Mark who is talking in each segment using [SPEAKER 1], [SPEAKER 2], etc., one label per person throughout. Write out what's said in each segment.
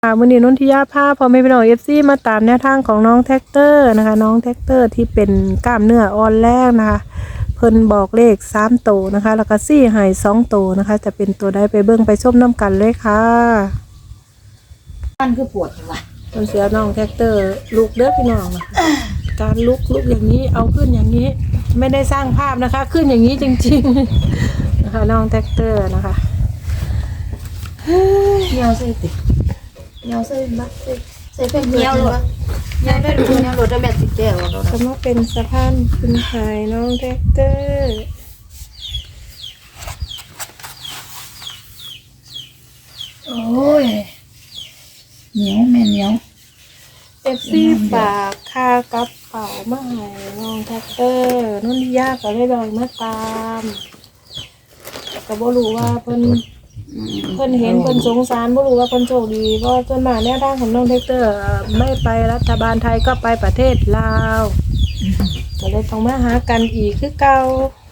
[SPEAKER 1] วันนี้นนทิยาภาพพอไม่เป็นหน่อยFCมาตามแนวทางของน้องแท็กเตอร์นะคะน้องแท็กเตอร์ที่เป็นกล้ามเนื้ออ่อนแรงนะคะเพิ่นบอกเลข3ตัวนะคะแล้วก็4ให้2ตัวนะคะจะเป็นตัวใดไปเบิ่งไปชมน้ำกันเลยค่ะ
[SPEAKER 2] มันคือปวดจังวะ
[SPEAKER 1] ตอนเสียน้องแท็กเตอร์ลุกเด้อพี่น้องนะการลุกอย่างนี้เอาขึ้นอย่างนี้ไม่ได้สร้างภาพนะคะขึ้นอย่างนี้จริงๆนะคะน้องแท็กเตอร์นะคะ
[SPEAKER 2] เหี่ยวใส่ติเหี่ยวใส่บักใส่เป็นเหี่ยวเลยเหี่ยวได้ดูเหี่ยวรถได้แบบติดแก้วแล้ว
[SPEAKER 1] จะมาเป็นสะพานคุณชายน้องแท็กเตอร์
[SPEAKER 2] โอ้ยเหนียวแม่เหนียว
[SPEAKER 1] FC ฝากค่ากับเป๋ามาให้น้องแท็กเตอร์นุ่นที่ยากก็เลยลอยมาตามก็บ่รู้ว่าเพิ่นเห็นเพิ่นสงสารบ่รู้ว่าเพิ่นโชคดีเพราะส่วนมากแนวทางของน้องแท็กเตอร์ไม่ไปรัฐบาลไทยก็ไปประเทศลาวก็เลยต้องมาหากันอีกคือเก่า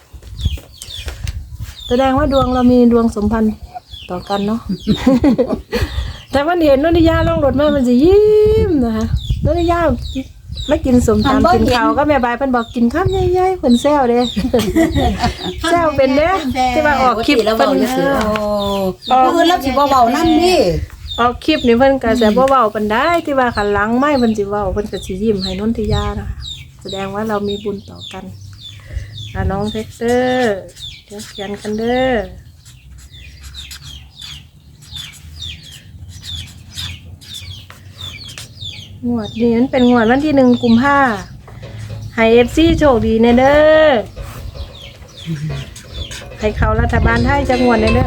[SPEAKER 1] แสดงว่าดวงเรามีดวงสมพันธ์ต่อกันเนาะ แต่วันเห็นนนทิยาลงรถมามันสิยิ้มนะคะนนทิยาไม่กินสมตำกินข้าวก็แม่บายเพิ่นบอกกินข้าวใหญ่ๆเพิ่นแซวเด้แซวเป็นเด้ที่ว่าออกคลิป
[SPEAKER 2] แล้วเว้าซื่อโอ้คือรับสิบ่เว้านำดิ
[SPEAKER 1] ออกคลิปนี่เพิ่นก็สิบ่เว้าปานใดที่ว่าคันหลังไม้เพิ่นสิเว้าเพิ่นก็สิยิ้มให้นนทิยานะคะแสดงว่าเรามีบุญต่อกันน้องเท็กเตอร์เดี๋ยวเขียนกันเด้องวดนี้มันเป็นงวดวันที่1 กุมภาพันธ์ให้ FC โชคดีแน่เด้อให้เข้ารัฐบาลไทยจังหวัดแน่เด้อ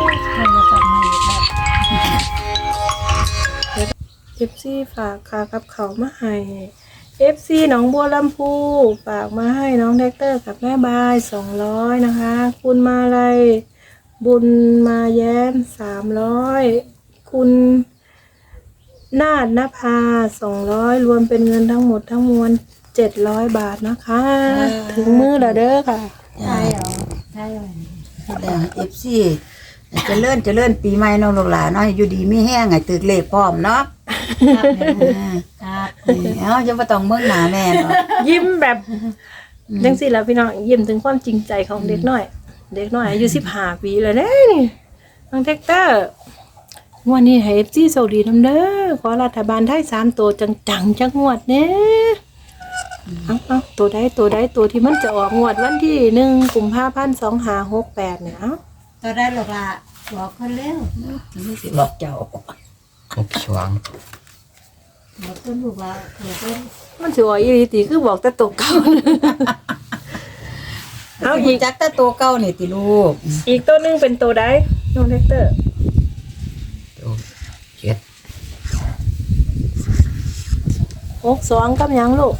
[SPEAKER 1] FC ฝากค่ากับเขามาให้ FC หนองบัวลำพูฝากมาให้น้องแท็กเตอร์กับแม่บาย200นะคะคุณมาลัยบุญมาแย้ม300คุณนาฏนภา200รวมเป็นเงินทั้งหมดทั้งมวล700 บาทนะคะถึงมือแล้วเด้อค่ะ
[SPEAKER 2] ใช่เหรอใช่เลยแล้ว FC จะเลื่อนปีใหม่น้องลูกหลานเนาะอยู่ดีมีแห้งให้ตึกเลขพร้อมเนาะครับจะบ่ต้องเบิ่งหน้าแม่เนาะ
[SPEAKER 1] ยิ้มแบบจังซี่ล่ะพี่น้องยิ้มถึงความจริงใจของเด็กน้อยอายุ15 ปีแล้วเด้นี่น้องแท็กเตอร์วันนี้ให้ FC โชคดีนำเด้อขอรัฐบาลไทย3ตัวจังๆจักงวดแน่เอาตัวใดตัวที่มันจะออกงวดวันที่1 กุมภาพันธ์ 2568เนี่ย
[SPEAKER 2] ตัวได้หรอกล่ะบอกคนเร็วไม่สิบอกเจ้า
[SPEAKER 3] 6 ช่วง
[SPEAKER 2] บอกต้นลูกว่า
[SPEAKER 1] มันสิว่าอีหลีติคือบอกแต่ตัวเก่า
[SPEAKER 2] เอาอีกจักแต่ตัวเก่านี่ติลูก
[SPEAKER 1] อีกตัวนึงเป็นตัวใดน้องแท็กเตอร์
[SPEAKER 3] ตัว7
[SPEAKER 1] 62กับหยังลูก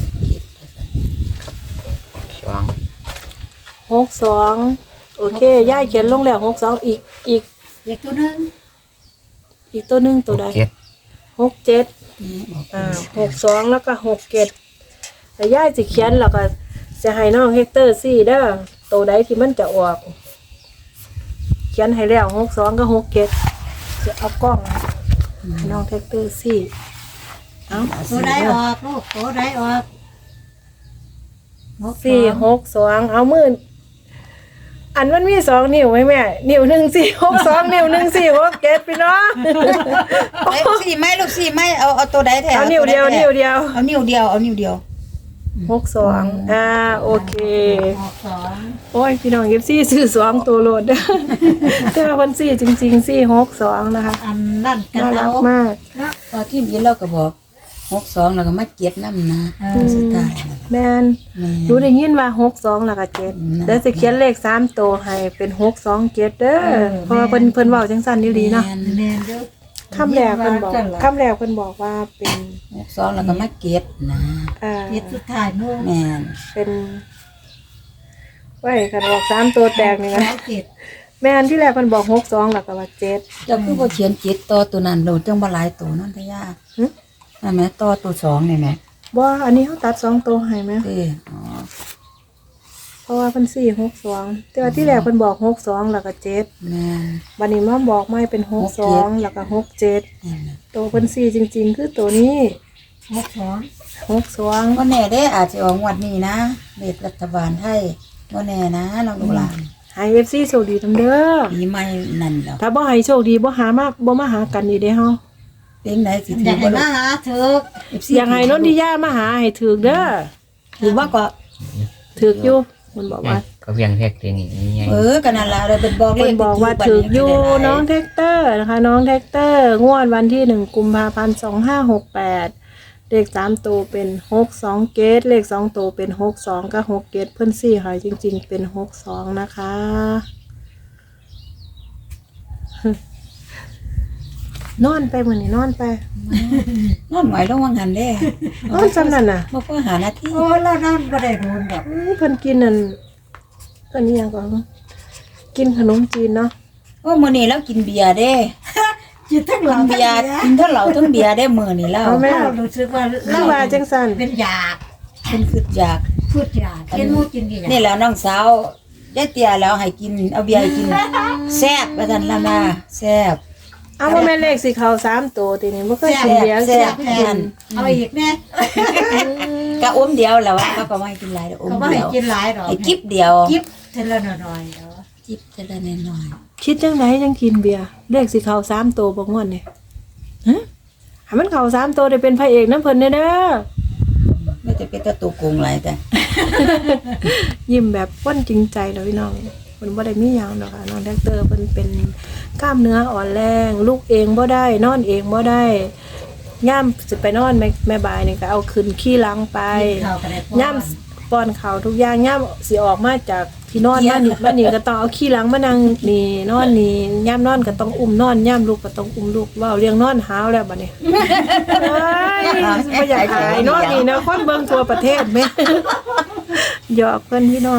[SPEAKER 3] ช่วง
[SPEAKER 1] 62โอเคย่ายเขียนลงแล้ว62อีก
[SPEAKER 2] ตัวนึง
[SPEAKER 1] อีกตัวนึงตัวใด6762แล้วก็67แต่ย่ายสิเขียนแล้วก็จะให้น้องเฮกเตอร์4เด้อตัวใดที่มันจะออกเขียนให้แล้ว62กับ67จะเอากล้องให้น้องเฮกเตอร์4เอา
[SPEAKER 2] ตัวใดออกลูกตัวใดออก
[SPEAKER 1] 462เอามืออันมันมี2 นิ้วไหมแม่นิ้ว1 4 6 2นิ้ว1 4 6 7พี่น้อง
[SPEAKER 2] 4ไม่ลูก4ไม่เอาตัวใดแถว
[SPEAKER 1] เอานิ้วเดียว
[SPEAKER 2] เอานิ้วเดียว
[SPEAKER 1] 62โอเคโอ้ยพี่น้อง14ซื้อ2ตัวโหลดเด้อแต่ว่าเพิ่น4จริงๆ462นะคะ
[SPEAKER 2] อันนั่นกัน
[SPEAKER 1] น่ารักมาก
[SPEAKER 2] พอที่ยินเราก็บอก62แล้วก็มาเก็บนำนะสุดท้าย
[SPEAKER 1] แม่นรู้ได้ยินว่า62แล้วก็7แล้วสิเขียนเลข3ตัวให้เป็น627เด้อเพราะว่าเพิ่นเว้าจังซั่นอีหลีเนาะ
[SPEAKER 2] แม่นเด้อ
[SPEAKER 1] คำแรกเพิ่นบอกว่าเป็น
[SPEAKER 2] 62แล้วก็มาเก็บนะเก็บสุดท้ายโน่แม่น
[SPEAKER 1] เป็นไว้คันบอก3ตัวแตกนี่นะแม่นที่แรกเพิ่นบอก62แล้วก็ว่า7
[SPEAKER 2] เจ้าคือบ่เขียน7ต่อตัวนั้นโดดจังบ่หลายตัวนั่นทะยานั่นแม่ต่อตัว2นี่แม่
[SPEAKER 1] บ่อันนี้เฮาตัด2ตัวให้แม่เพราะว่าเพิ่นสี่62แต่ว่าที่แรกเพิ่นบอก62แล้วก็7
[SPEAKER 2] แม่น
[SPEAKER 1] บัดนี้มาบอกไม่เป็น62แล้วก็67
[SPEAKER 2] นั่นน่ะ
[SPEAKER 1] ตัวเพิ่นสี่จริงๆ คือตัวนี้62
[SPEAKER 2] บ่แน่เด้อาจจะออกงวดนี้นะเลขรัฐบาลไทยบ่แน่นะน้องลูกหลาน
[SPEAKER 1] ให้ FC โชคดีนำเด้อ
[SPEAKER 2] ปีใหม่นั่นแล้ว
[SPEAKER 1] ถ้าบ่ให้โชคดีบ่หามาบ่มาหากันอีกเด้เฮา
[SPEAKER 2] เป็นไหนสิ
[SPEAKER 4] อ
[SPEAKER 2] ถื
[SPEAKER 4] ยา
[SPEAKER 2] อก
[SPEAKER 4] ให้
[SPEAKER 2] บ่ลู
[SPEAKER 4] มาก หาเถอะ
[SPEAKER 2] FC
[SPEAKER 1] อยากให้นนทิยามาหาให้ถูกเด้อ
[SPEAKER 2] ถือว่าก็
[SPEAKER 1] ถูกอยู่มันบอกว่า
[SPEAKER 3] ก็เพียงแค่เพียงนี้ไง
[SPEAKER 2] ก็นั่นล่ะได้เป็นบอกเล
[SPEAKER 1] เพิ่
[SPEAKER 2] ข
[SPEAKER 1] นบอกว่าถูกอยู่น้องแท็กเตอร์นะคะน้องแท็กเตอร์งวดวันที่1กุมภาพันธ์2568เลข3ตัวเป็น62เกตเลข2ตัวเป็น62กับ6เกตเพิ่นสี่ให้จริงๆเป็น62นะคะนอนไปมื้อนี้นอนไป
[SPEAKER 2] นอนไหวลงวังหันเด้
[SPEAKER 1] นอนซำนั่นน่ะ
[SPEAKER 2] บ่พอหานาที
[SPEAKER 4] โอ้เรานั่นบ่ได้โดนดอก
[SPEAKER 1] เพิ่นกินนั่นเพิ่นนี่ยังก่อนกินขนมจีนเนาะ
[SPEAKER 2] โอ้มื้อนี้เรากินเบียร์เด้
[SPEAKER 4] จิตทั้งหลั
[SPEAKER 2] กิ
[SPEAKER 4] ง
[SPEAKER 2] นเบียร์กินทั้งเหล้าทั้งเบียร์ได้มื้อนี้แล้ว
[SPEAKER 1] เอาแม่
[SPEAKER 4] เรารู้สึกว่า
[SPEAKER 1] คือว่าจังซั่น
[SPEAKER 4] เป็นยา
[SPEAKER 2] เพิ่นคิดอยาก
[SPEAKER 4] พูดยากินหมูกินกี่ยา
[SPEAKER 2] นี่แหละน้องสาวได้เตี้ยแล้วให้กินเอาเบียร์ให้กินแซ่บว่าซั่นล่ะนะแซ่บ
[SPEAKER 1] เอาบ่แม่นเลขสิเข้า3ตัวทีนี้บ่เคยกินเบียร์
[SPEAKER 2] แซ่
[SPEAKER 1] แซ่
[SPEAKER 2] บ
[SPEAKER 1] บ
[SPEAKER 2] แซ่
[SPEAKER 1] กิ
[SPEAKER 2] บ
[SPEAKER 1] น
[SPEAKER 4] เอาอีกแน่
[SPEAKER 2] กะอมเดียวแล้วว่าเขาก็บ่ให้กินหลายเด้ออม
[SPEAKER 4] เขาบ่
[SPEAKER 2] เดี
[SPEAKER 4] ให้
[SPEAKER 2] ยว
[SPEAKER 4] กินหลายดอก
[SPEAKER 2] ให้กิ๊บเดียว
[SPEAKER 4] กิ๊บเทละหน่อยๆเนาะ
[SPEAKER 2] จิ๊บแต่ละน้อย
[SPEAKER 1] คิดจังไดจังกินเบียร์เลขสิเข้า3ตัวบ่งวดนี่ฮะให้มันเข้า3ตัวได้เป็นพระเอกนำเพิ่นเด้อ
[SPEAKER 2] ๆไม่จะเป็นตะตัวโกงหลายแต่
[SPEAKER 1] ยิ้มแบบป้นจริงใจเลยพี่น้องเพิ่นบ่ได้มีหยังดอกค่ะน้องแท็กเตอร์เพิ่นเป็นกล้ามเนื้ออ่อนแรงลุกเองบ่ได้นอนเองบ่ได้ย่ามสิไปนอนแม่บายนี่ก็เอาขึ้นขี้หลังไป
[SPEAKER 4] ข้าวก็ได้
[SPEAKER 1] ย่ามป้อนข้าวทุกอย่างย่ามสิออกมาจากที่นอนมานี่ก็ต้องเอาขี้หลังมานั่งนี่นอนนี่ย่ามนอนก็ต้องอุ้มนอนย่ามลุกก็ต้องอุ้มลุกเว้าเรียงนอนหาวแล้วบัดนี้เอ้ยบ่อยากหายนอนนี่นะคนเบิ่งทั่วประเทศแม่หยอกเพิ่นพี่น้อง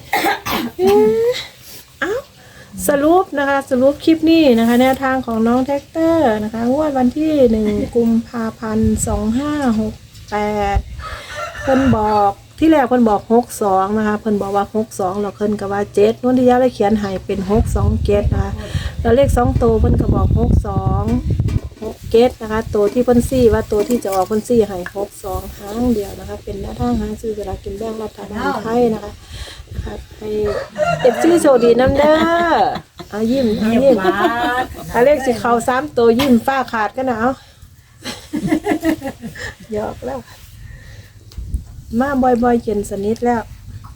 [SPEAKER 1] เอ้าสรุปนะคะสรุปคลิปนี้นะคะแนวทางของน้องแท็กเตอร์นะคะงวดวันที่1กุมภาพันธ์2568เพิ่นบอกที่แรกเพิ่นบอก62นะคะเพิ่นบอกว่า62แล้วเพิ่นก็ว่า7นนทิยาเลยเขียนให้เป็น627นะคะแล้วเลข2ตัวเพิ่นก็บอก6267นะคะตัวที่เพิ่นซี่ว่าตัวที่จะออกเพิ่นซี่ให้62ครั้งเดียวนะคะเป็นแนวทางหาซื้อสลากกินแบ่งรัฐบาลไทยนะคะครับให้เอฟซีโชคดีน้ำเด้อเอายิ้มเอายิ้มเอาเลขสิเข้า3ตัวยิ้มฟ้าขาดกันนะเอาหยอกแล้วมาบ่อยๆเย็นสนิทแล้ว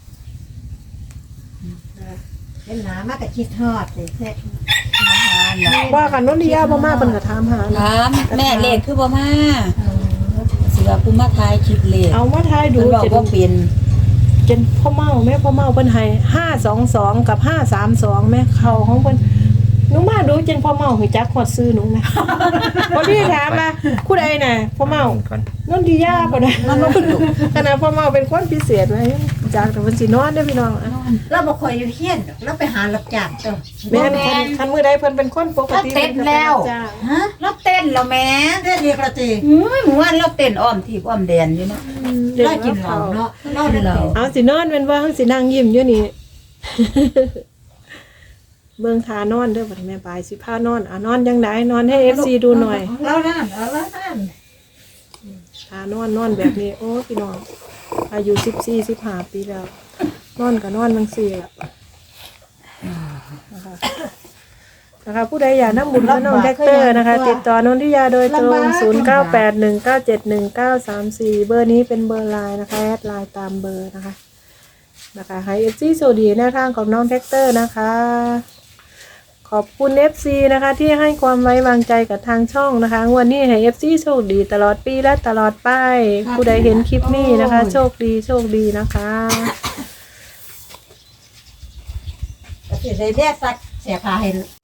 [SPEAKER 4] เป็นหนามากกับคิดฮอดเลยแท้
[SPEAKER 1] ว่ากันนนทิยาบ่มาเพิ่นก็ถามหานะ
[SPEAKER 2] ถามแม่เลขคือบ่มาสิว่ากูมาทายคลิปเลข
[SPEAKER 1] เอามาทายดู
[SPEAKER 2] เพิ่นบอกว่าเป็น
[SPEAKER 1] จนพ่อเมาแม่พ่อเมาเพิ่นให้522กับ532แม่เข้าของเพิ่นหนูมาดูจนพ่อเมาหูจักฮอดซื้อหนูแม่บ่ได้ถามว่าผู้ใดน่ะพ่อเมา
[SPEAKER 3] ก่อน
[SPEAKER 1] นนทิยาบ่ได้ขนาดพ่อเมาเป็นคนพิเศษนะจากแต่เพิ่นสินอนเด้อพี่น้องอะ
[SPEAKER 4] เราบ่ค่อยอยู่เฮียนดอกเราไปหารับจ้างเจ้า
[SPEAKER 1] แม่นคันมื้อใดเพิ่นเป็นคนปกติ
[SPEAKER 2] เต้นแล้ว
[SPEAKER 1] จ้า
[SPEAKER 4] ฮะ
[SPEAKER 2] เราเต้นแล้วแม่
[SPEAKER 4] เด้ดีกระตี
[SPEAKER 2] เมื่อวานเราเต้นอ้อมที่อ้อมแดนอยู่เนาะ
[SPEAKER 4] เรากินเหล้าเนาะเราได้กิน
[SPEAKER 1] เอาสินอนเป็นว่าเฮาสินั่งยิ้มอยู่นี่ เบิ่งทานอนเด้อบัดนี้แม่บายสิพานอนนอนจังไดนอนให้ FC ดูหน่อย
[SPEAKER 4] เรานั่นเรานั่น
[SPEAKER 1] ทานอนแบบนี้โอ้พี่น้องอายุ14-15ปีแล้ว นอนก็นอนจังซี่ล่ะนะคะผู้ใดอยากนำบุญกับน้องแท็กเตอร์นะคะ ติดต่อนนทิยาโดยตรง0981971934เบอร์นี้เป็นเบอร์ไลน์นะคะแอดไลน์ตามเบอร์นะคะให้ FC โชคดีแนวทางของน้องแท็กเตอร์นะคะ ขอบคุณ FC นะคะที่ให้ความไว้วางใจกับทางช่องนะคะงวันนี้ให้ FC โชคดีตลอดปีและตลอดไปผู้ใดเห็นคลิปนี้นะคะ โชคดีนะคะ
[SPEAKER 4] ก็สิได้แลกสักเสียค่าให้